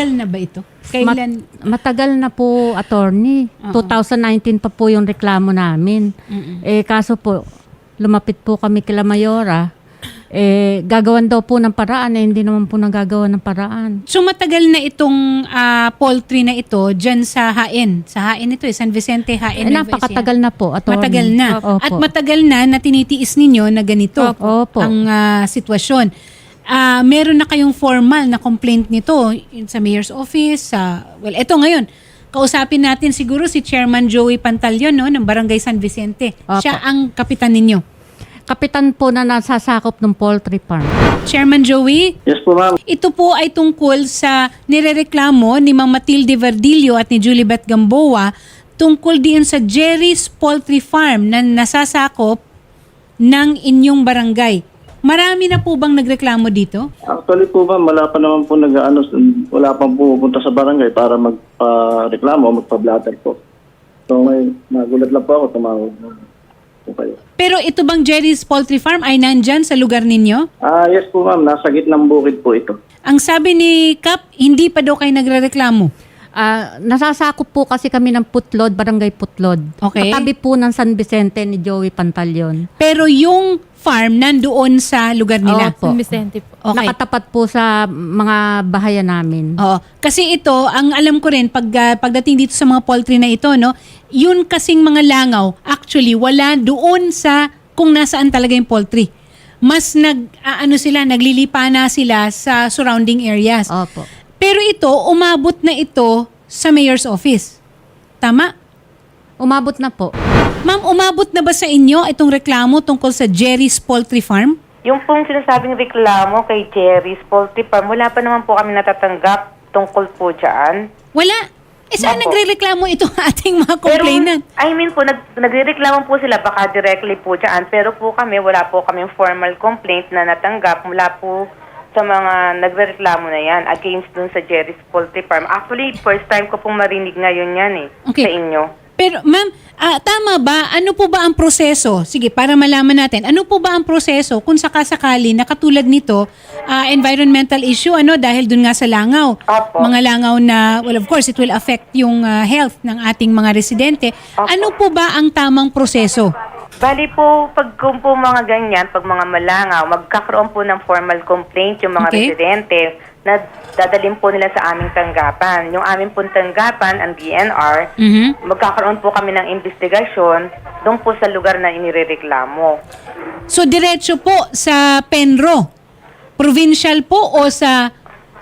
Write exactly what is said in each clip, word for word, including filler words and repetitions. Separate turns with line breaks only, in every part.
Matagal na ba ito? Kailan?
Mat- matagal na po, attorney.
Oo.
twenty nineteen pa po yung reklamo namin.
Mm-mm.
Eh, kaso po, lumapit po kami kila Mayora. Eh, gagawan daw po ng paraan. Eh, hindi naman po nagagawa ng paraan.
So matagal na itong ah, poultry na ito dyan sa Hain. Sa Hain ito eh, San Vicente Hain.
Eh,
Nueva Ecija.
napakatagal na po, attorney.
Matagal na.
Opo.
At matagal na na tinitiis ninyo na ganito
Opo.
ang ah, sitwasyon. Ah, meron na kayong formal na complaint nito in- sa mayor's office. Sa well, ito ngayon. Kausapin natin siguro si Chairman Joey Pantaleon no, ng Barangay San Vicente.
Opo.
Siya ang kapitan ninyo.
Kapitan po na nasasakop ng poultry farm.
Chairman Joey,
Yes po, ma'am.
ito po ay tungkol sa nirereklamo ni Ma'am Matilde Verdillo at ni Julibet Gamboa tungkol diyon sa Jerry's Poultry Farm na nasasakop ng inyong barangay. Marami na po bang nagreklamo dito?
Actually po, ma'am, wala pa naman po nag-ano, wala pang pupunta sa barangay para magpa-reklamo o magpa-blatter po. So, may nagulat lang po ako, tumawag po kayo.
Pero ito bang Jerry's Poultry Farm ay nandyan sa lugar ninyo?
Ah, yes po, ma'am. Nasa gitnang bukid po ito.
Ang sabi ni Kap, hindi pa daw kayo nagrereklamo.
Ah, nasasakop po kasi kami ng Putlod, Barangay Putlod.
Okay.
Katabi po ng San Vicente ni Joey Pantaleon.
Pero yung farm nandoon sa lugar nila.
Opo.
San Vicente po.
Okay.
Nakatapat po sa mga bahayan namin.
Oo. Kasi ito, ang alam ko rin, pag, ah, pagdating dito sa mga poultry na ito, no, yun kasing mga langaw, actually, wala doon sa kung nasaan talaga yung poultry. Mas nag, ah, ano sila, naglilipa na sila sa surrounding areas.
Opo.
Pero ito, umabot na ito sa mayor's office. Tama?
Umabot na po.
Ma'am, umabot na ba sa inyo itong reklamo tungkol sa Jerry's Poultry Farm?
Yung pong sinasabing reklamo kay Jerry's Poultry Farm, wala pa naman po kami natatanggap tungkol po dyan.
Wala. Eh saan
Opo.
nagre-reklamo itong ating mga complainant?
Pero, I mean po, nag, nagre-reklamo po sila baka directly po dyan. Pero po kami, wala po kami formal complaint na natanggap mula po sa mga nagre-reklamo na yan against dun sa Jerry's Poultry Farm. Actually, first time ko pong marinig ngayon yan eh,
Okay.
sa inyo.
Pero ma'am, ah, tama ba? Ano po ba ang proseso? Sige, para malaman natin. Ano po ba ang proseso kung sakasakali na katulad nito, ah, environmental issue, ano, dahil dun nga sa langaw.
Opo.
Mga langaw na, well, of course, it will affect yung ah, health ng ating mga residente.
Opo.
Ano po ba ang tamang proseso?
Bali po, pag kung po mga ganyan, pag mga malangaw, magkakaroon po ng formal complaint yung mga
Okay.
residente na dadalhin po nila sa aming tanggapan. Yung aming pong tanggapan, ang D N R,
Mhm.
magkakaroon po kami ng investigasyon doon po sa lugar na inirereklamo.
So, diretso po sa Penro. Provincial po o sa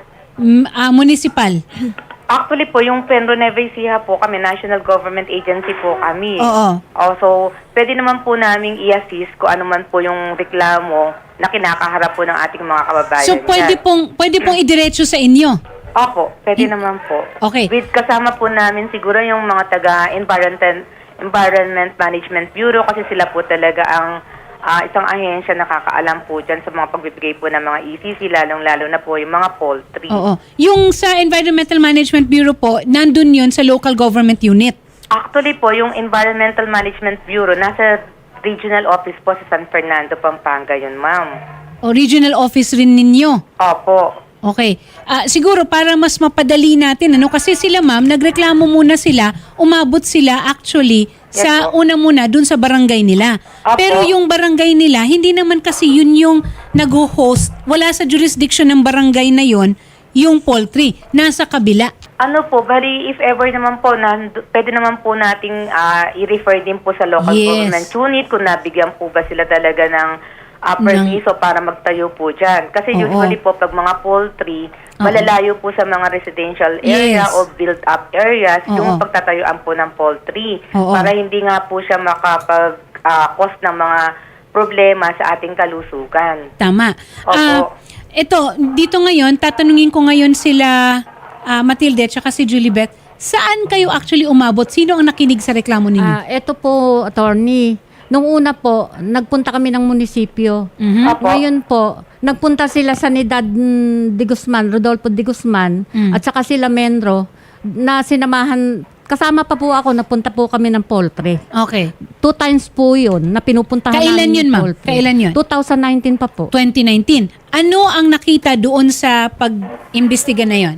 mm, ah, municipal?
Actually po, yung Penro Nueva Ecija po kami, national government agency po kami.
Oo.
Also, pwede naman po namin i-assist kung ano man po yung reklamo na kinakaharap po ng ating mga kababayan.
So, pwede
dyan.
pong, pwede pong idiretso sa inyo?
Opo, pwede naman po.
Okay.
With kasama po namin siguro yung mga taga-Environment Environment Management Bureau kasi sila po talaga ang ah, isang ahensya na nakakaalam po dyan sa mga pagbibigay po ng mga E C C, lalong-lalo na po yung mga poultry.
Oo. Yung sa Environmental Management Bureau po, nandun yun sa local government unit.
Actually po, yung Environmental Management Bureau, nasa regional office po sa San Fernando, Pampanga yun, ma'am.
O regional office rin ninyo.
Opo.
Okay. Ah, siguro para mas mapadali natin, ano, kasi sila ma'am, nagreklamo muna sila, umabot sila actually
Yes,
sa
po.
una muna dun sa barangay nila.
Opo.
Pero yung barangay nila, hindi naman kasi yun yung nag-host, wala sa jurisdiction ng barangay na yon yung poultry, nasa kabila.
Ano po, bali if ever naman po, na, pwede naman po nating ah, i-refer din po sa local
Yes.
government unit kung nabigyan po ba sila talaga ng ah, permiso para magtayo po dyan. Kasi
Oo.
usually po, pag mga poultry,
Oo.
malalayo po sa mga residential area
Yes.
o built-up areas
Oo.
yung pagtatayuan po ng poultry.
Oo.
Para hindi nga po siya makapag-cause ng mga problema sa ating kalusugan.
Tama.
Opo.
Ah, ito, dito ngayon, tatanungin ko ngayon sila ah, Matilde at saka si Julibet, saan kayo actually umabot? Sino ang nakinig sa reklamo ninyo?
Ah, eto po, attorney. Nung una po, nagpunta kami ng munisipyo.
Mhm.
Opo.
Ngayon po, nagpunta sila sa Nidad mm, de Guzman, Rodolfo de Guzman,
Mm.
at saka sila Menro, na sinamahan, kasama pa po ako, napunta po kami ng poultry.
Okay.
Two times po yun, na pinupuntahan
Kailan
namin
yun,
yung
ma'am?
poultry.
Kailan yun?
twenty nineteen pa po.
twenty nineteen. Ano ang nakita doon sa pag-imbestiga na yon?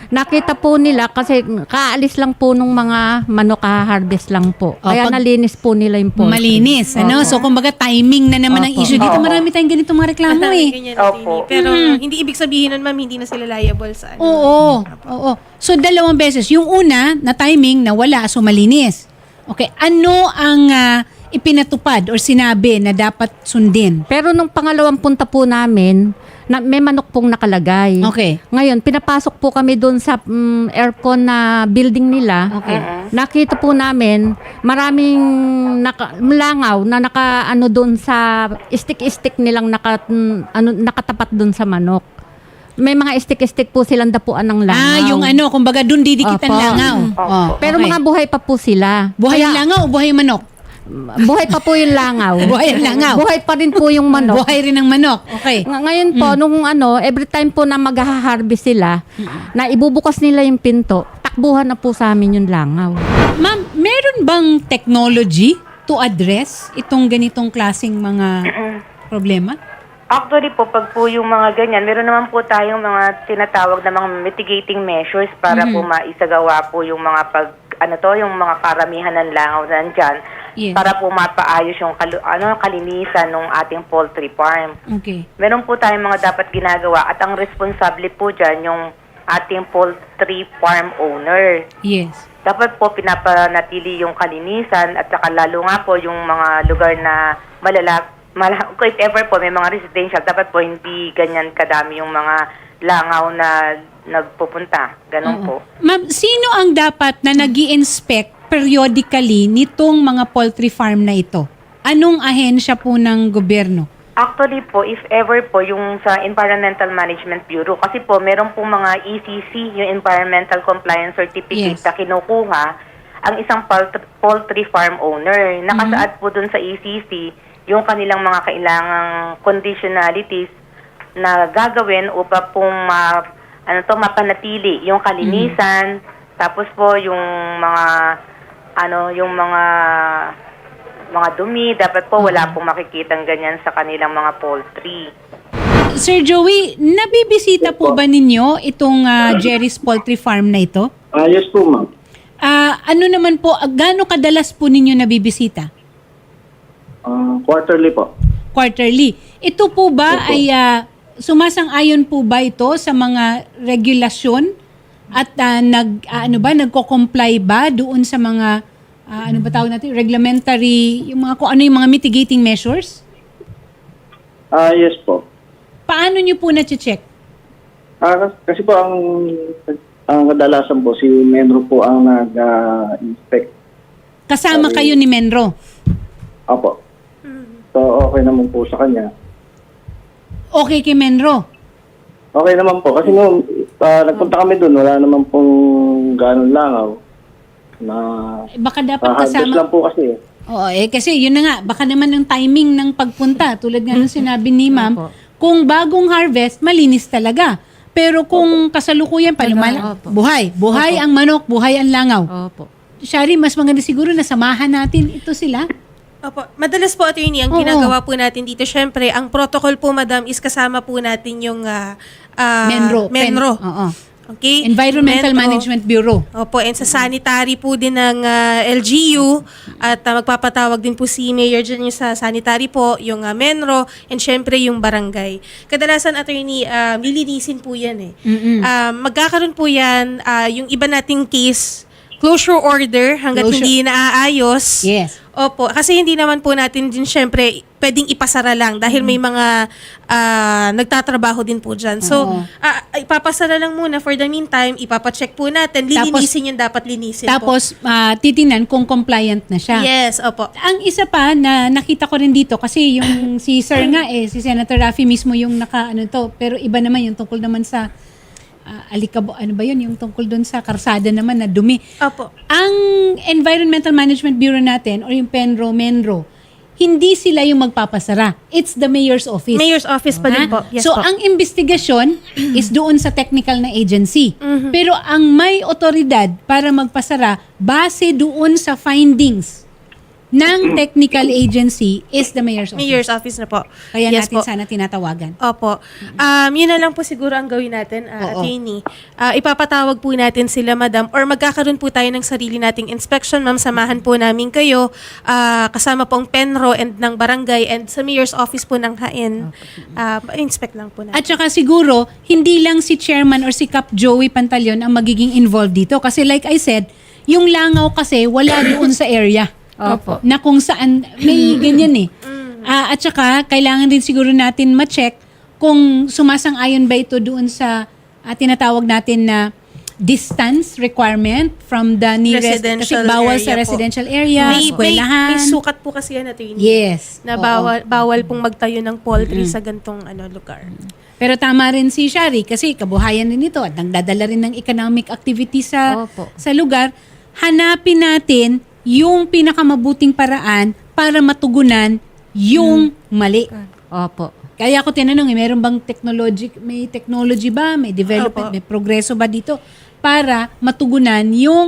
nakita po nila kasi kaalis lang po nung mga manok, harvest lang po.
O,
Kaya
pag-
nalinis po nila yung poultry.
Malinis, ano?
Opo.
So, kumbaga, timing na naman ang
Opo.
issue dito.
Opo.
Marami tayong ganito mga reklamo eh.
Ganyan,
Opo.
attorney. Pero hindi ibig sabihin nun, ma'am, hindi na sila liable sa ano.
Oo, oo. So, dalawang beses. Yung una, na timing, na wala, so malinis. Okay, ano ang ah, ipinatupad or sinabi na dapat sundin?
Pero nung pangalawang punta po namin, na, may manok pong nakalagay.
Okay.
Ngayon, pinapasok po kami doon sa mm, aircon na building nila.
Okay.
Nakita po namin maraming naka, langaw na naka ano doon sa stick-stick nilang naka, mm, ano, nakatapat doon sa manok. May mga stick-stick po silang dapuan ng langaw.
Ah, yung ano, kumbaga dun didikit ang
Opo.
langaw. Oh,
Pero
okay.
mga buhay pa po sila.
Buhay
Kaya,
ang langaw o buhay ang manok?
buhay pa po yung langaw.
Buhay ang langaw.
Buhay pa rin po yung manok.
Buhay rin ang manok. Okay.
Ng- Ngayon po, nung ano, every time po na mag-harvest sila, na ibubukas nila yung pinto, takbuhan na po sa amin yung langaw.
Ma'am, meron bang technology to address itong ganitong klaseng mga problema?
Actually po, pag po yung mga ganyan, meron naman po tayong mga tinatawag na mga mitigating measures para po maisagawa po yung mga pag, ano to, yung mga karamihan ng langaw na nandyan,
Yes.
para po mapaayos yung kalu- ano, kalinisan ng ating poultry farm.
Okay.
Meron po tayong mga dapat ginagawa at ang responsable po dyan yung ating poultry farm owner.
Yes.
Dapat po pinapanatili yung kalinisan at saka lalo nga po yung mga lugar na malala, mala, if ever po may mga residential, dapat po hindi ganyan kadami yung mga langaw na nagpupunta. Ganon
Oo.
po.
Ma'am, sino ang dapat na nag-i-inspect periodically nitong mga poultry farm na ito? Anong ahensya po ng gobyerno?
Actually po, if ever po, yung sa Environmental Management Bureau, kasi po meron po mga E C C, yung Environmental Compliance Certificate
Yes.
na kinukuha ang isang poultry, poultry farm owner. Nakasaad po dun sa E C C yung kanilang mga kailangang conditionalities na gagawin upang pong ma, ano to, mapanatili yung kalinisan, tapos po yung mga ano, yung mga mga dumi, dapat po wala pong makikitang ganyan sa kanilang mga poultry.
Sir Joey, nabibisita po ba ninyo itong ah, Jerry's Poultry Farm na ito?
Ah, yes po, ma'am.
Ah, ano naman po, ah, gaano kadalas po ninyo nabibisita?
Ah, quarterly po.
Quarterly. Ito po ba
Opo.
ay ah, sumasang-ayon po ba ito sa mga regulasyon at ah, nag ah, ano ba nagko-comply ba doon sa mga ah, ano ba tawag natin reglementary yung mga kung ano yung mga mitigating measures?
Ah, yes po.
Paano niyo po na-check?
Ah, kasi po ang ang kadalasan po si Menro po ang nag-inspect.
Kasama
Sabi-
kayo ni Menro.
Opo. So, okay naman po sa kanya.
Okay kay Menro.
Okay naman po. Kasi nung ah, nagpunta kami doon, wala naman pong ganun langaw. Na
Eh, Baka dapat
ah, harvest
kasama.
lang po kasi.
Oo, eh kasi yun na nga, baka naman yung timing ng pagpunta, tulad nga ng sinabi ni ma'am,
Opo.
kung bagong harvest, malinis talaga. Pero kung kasalukuyan pa, lumala,
Opo.
buhay. Buhay
Opo.
ang manok, buhay ang langaw.
Opo.
Shari, mas maganda siguro na samahan natin ito sila.
Opo. Madalas po, attorney, ang
Oo.
ginagawa po natin dito, syempre, ang protocol po, madam, is kasama po natin yung ah, ah,
Menro. Pen-
Menro.
Oo.
Okay?
Environmental
Menro.
Management Bureau.
Opo, and sa sanitary po din ng ah, L G U at ah, magpapatawag din po si Mayor dyan yung sa sanitary po, yung ah, Menro, and syempre yung barangay. Kadalasan, attorney, uh, lilinisin po yan eh.
Mm-mm.
Ah, magkakaroon po yan, ah, yung iba nating case, closure order hanggat
Closure.
hindi naaayos.
Yes.
Opo, kasi hindi naman po natin din syempre pwedeng ipasara lang dahil may mga ah, nagtatrabaho din po dyan. So,
Oo.
ah, ipapasara lang muna for the meantime, ipapacheck po natin, lilinisin yung dapat linisin po.
Tapos, ah, titingnan kung compliant na siya.
Yes, opo.
Ang isa pa na nakita ko rin dito kasi yung si Sir nga eh si Senator Raffy mismo yung naka ano to pero iba naman yung tungkol naman sa ah, alikabo ano ba yun yung tungkol doon sa karsada naman na dumi.
Opo.
Ang Environmental Management Bureau natin or yung Penro Menro hindi sila yung magpapasara. It's the mayor's office.
Mayor's office pa din
Ha?
po. Yes
so,
po.
ang investigasyon is doon sa technical na agency.
Mm-hmm.
Pero ang may otoridad para magpasara, base doon sa findings ng technical agency is the mayor's office.
Mayor's office na po.
Kaya
Yes
natin
po.
sana tinatawagan.
Opo. Um, yun na lang po siguro ang gawin natin, uh,
Oo.
attorney. Uh, ipapatawag po natin sila, madam, or magkakaroon po tayo ng sarili nating inspection. Ma'am, samahan po namin kayo uh, kasama po ang Penro and ng barangay and sa mayor's office po ng Hain. Uh, inspect lang po natin.
At saka siguro, hindi lang si chairman or si Cap Joey Pantaleon ang magiging involved dito. Kasi like I said, yung langaw kasi wala doon sa area.
Opo.
Na kung saan, may ganyan eh. Ah, at saka, kailangan din siguro natin ma-check kung sumasang-ayon ba ito doon sa ah, tinatawag natin na distance requirement from the nearest. Kasi
Residential
bawal
area
sa
po.
residential area,
may, may,
eskwelahan.
may sukat po kasi yan, attorney.
Yes.
Na
Oo.
bawal, bawal pong magtayo ng poultry sa gantong ano, lugar.
Pero tama rin si Shari kasi kabuhayan din ito at nagdadala rin ng economic activity sa
Opo.
sa lugar. Hanapin natin yung pinakamabuting paraan para matugunan yung mali.
Opo.
Kaya ako tinanong, eh, meron bang technology, may technology ba, may development,
Opo.
may progreso ba dito para matugunan yung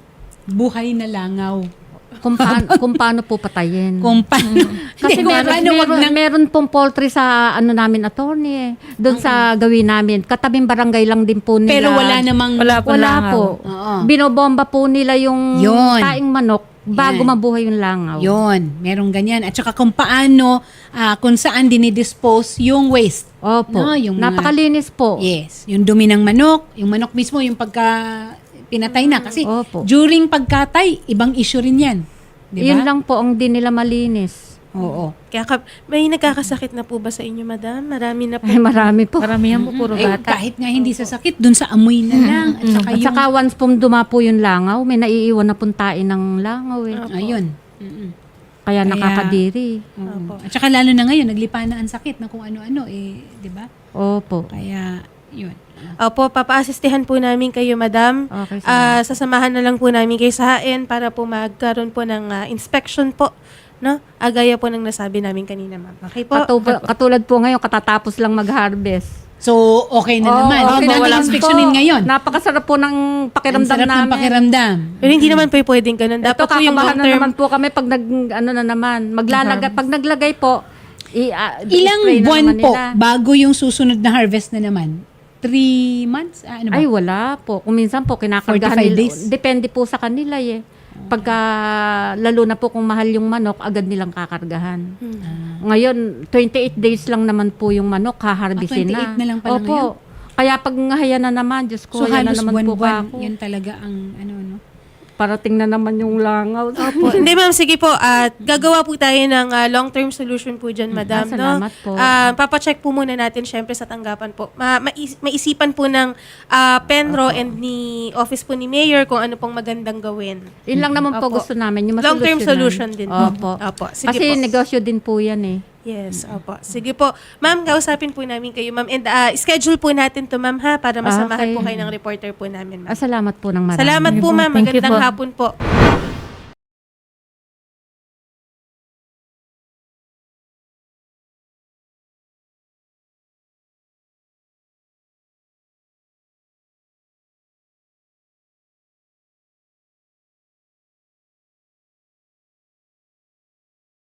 buhay na langaw.
Kung paano, kung paano po patayin.
Kung paano,
Kasi
Hindi, kung
meron,
paano wag
meron,
nang-
meron pong poultry sa ano namin attorney eh. Doon sa gawin namin. Katabing barangay lang din po nila.
pero wala namang,
Wala po
Wala
langaw.
po.
Oo.
Binobomba po nila yung
Yun.
taing manok bago
Yan.
mabuhay yung langaw.
Yun, merong ganyan. At saka kung paano, ah, kung saan dinidispose yung waste.
Opo.
No, yung mga-
Napakalinis po.
Yes, yung dumi ng manok, yung manok mismo, yung pagka pinatay na. Kasi
Opo.
during pagkatay, ibang issue rin yan. Di ba?
Yun lang po ang di nila malinis.
Oo.
Kaya ka, may nagkakasakit na po ba sa inyo, madam? Marami na po.
Ay, marami po.
Maramihan po puro
Eh,
bata.
kahit nga hindi sa sakit, dun sa amoy na lang. At saka
At
yung,
saka once pong dumapo yung langaw, may naiiwan na pong tain ng langaw eh.
ayun. Mm-mm.
Kaya
Kaya-
nakakadiri.
Oo. At saka lalo na ngayon, naglipa na ang sakit na kung ano-ano eh, di ba?
Opo.
Kaya, yun.
Opo, papa-assistihan po namin kayo, madam.
Okay,
Ah, sasamahan na lang po namin kayo sa Hain para po magkaroon po ng ah, inspection po. No? Agaya po ng nasabi namin kanina, ma'am. Okay po?
Katu- katulad po ngayon, katatapos lang mag-harvest.
So, okay na
Oo,
naman. Huwag
okay
natin
naman
inspeksyonin
po.
ngayon.
Napakasarap po ng
Ang
pakiramdam
sarap
namin.
ng pakiramdam.
Pero hindi naman po pwedeng ganun.
Ito,
Dapat po yung
kakabahan na
long-term.
naman po kami pag nag, ano na naman, maglalagay, pag naglagay po, i, ah,
Ilang
i-spray na
buwan
naman
po
nila.
bago yung susunod na harvest na naman? Three months? Ah, ano ba?
Ay, wala po. Kung minsan po, kinakargahan
forty-five
nila.
days?
Depende po sa kanila eh. Pagka, lalo na po kung mahal yung manok, agad nilang kakargahan.
Hmm.
Ngayon, twenty-eight days lang naman po yung manok, haharbisin
Ah, twenty-eight
na.
na lang pala
Opo.
ngayon?
Kaya pag ngahaya na naman, Diyos ko,
So,
haya na
halos
naman po
buwan-buwan.
ako.
Yan talaga ang ano, no?
Parating na naman yung langaw.
Opo. Hindi, ma'am. Sige po. At gagawa po tayo ng ah, long-term solution po dyan, madam.
Ah, salamat
no?
po.
Ah, papacheck po muna natin, syempre, sa tanggapan po. Ma- mais- maisipan po ng ah, Penro and ni office po ni Mayor kung ano pong magandang gawin.
Yun lang naman po
Opo.
gusto namin. Yung
Long-term solution
masolusyonan.
din.
Opo.
Opo. Sige
Kasi
po.
negosyo din po yan eh.
Yes, opo. Sige po. Ma'am, kausapin po namin kayo, ma'am. And ah, schedule po natin to, ma'am, ha? Para masamahan
Okay.
po kayo ng reporter po namin, ma'am.
Ah, salamat po ng marami.
Salamat po, ma'am.
Thank you
Magandang
po.
hapon po.